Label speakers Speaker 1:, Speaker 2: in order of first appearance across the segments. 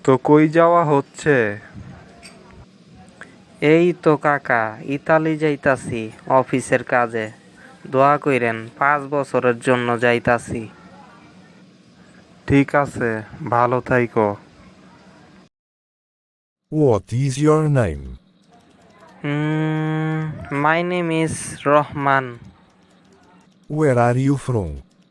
Speaker 1: তো কই যাওয়া হচ্ছে?
Speaker 2: এই তো কাকা, ইতালি যাইতাছি অফিসের কাজে। দোয়া কইরেন, 5 বছরের জন্য যাইতাছি।
Speaker 1: ঠিক আছে, ভালো থাইকো।
Speaker 3: What is your name?
Speaker 2: My name is Rahman.
Speaker 3: Where are you from?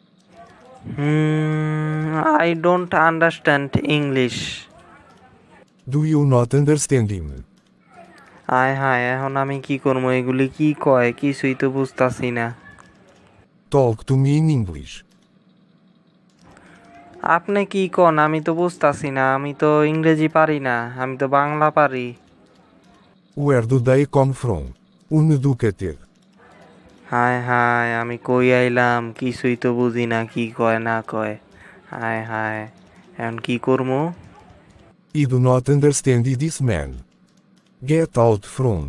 Speaker 2: I don't understand English.
Speaker 3: Do you not understand him?
Speaker 2: আয় হায়, এখন আমি কি করবো? এগুলি কি কয়? কিছুই তো বুঝতাছি না।
Speaker 3: Talk to me in English.
Speaker 2: আপনি কি কন? আমি তো বুঝতাছি না। আমি তো ইংরেজি পারি না, আমি তো বাংলা পারি।
Speaker 3: Where do they come from? Uneducated.
Speaker 2: হায় হায়, আমি কই আইলাম? কিছুই তো বুঝি না, কি কয় না কয়। হায় হায়, এখন কি করবো?
Speaker 3: I do not understand this man. Get out front.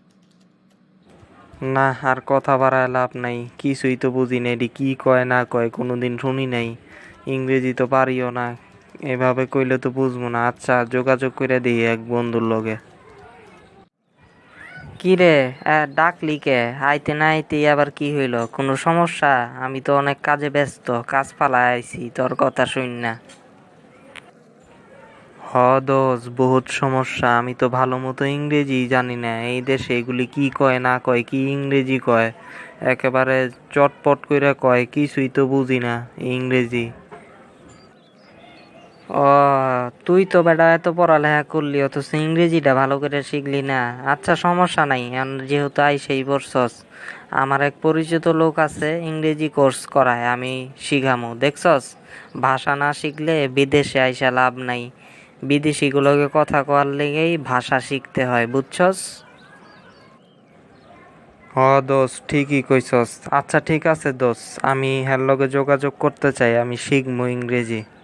Speaker 2: না, আর কথা বাড়ায় লাভ নাই। কিছুই তো বুঝি না, এটি কি কয় না কয়, কোনোদিন শুনি নাই। ইংরেজি তো পারিও না, এভাবে কইলে তো বুঝবো না। আচ্ছা, যোগাযোগ করে দিই এক বন্ধুর লগে। কি রে, ডাকলি কে? আইতে না আইতেই আবার কি হইল? কোনো সমস্যা? আমি তো অনেক কাজে ব্যস্ত, কাজ ফালায় আইছি তোর কথা শুন না। হ দোষ, বহুত সমস্যা। আমি তো ভালো মতো ইংরেজি জানি না। এই দেশে এগুলি কি কয় না কয়, কি ইংরেজি কয়, একেবারে চটপট কইরা কয়, কিছুই তো বুঝি না ইংরেজি। ও, তুই তো বেটা এত পড়ালেখা করলি, অথচ ইংরেজিটা ভালো করে শিখলি না। আচ্ছা, সমস্যা নাই, এখন যেহেতু আইসেই পড়ছস, আমার এক পরিচিত লোক আছে, ইংরেজি কোর্স করায়, আমি শিখামু। দেখছস, ভাষা না শিখলে বিদেশে আইসা লাভ নাই। বিদেশিগুলোকে কথা কওয়ার লেগেই ভাষা শিখতে হয়, বুঝছস? হ দোষ, ঠিকই কইছস। আচ্ছা ঠিক আছে দোষ, আমি হ্যার লগে যোগাযোগ করতে চাই, আমি শিখবো ইংরেজি।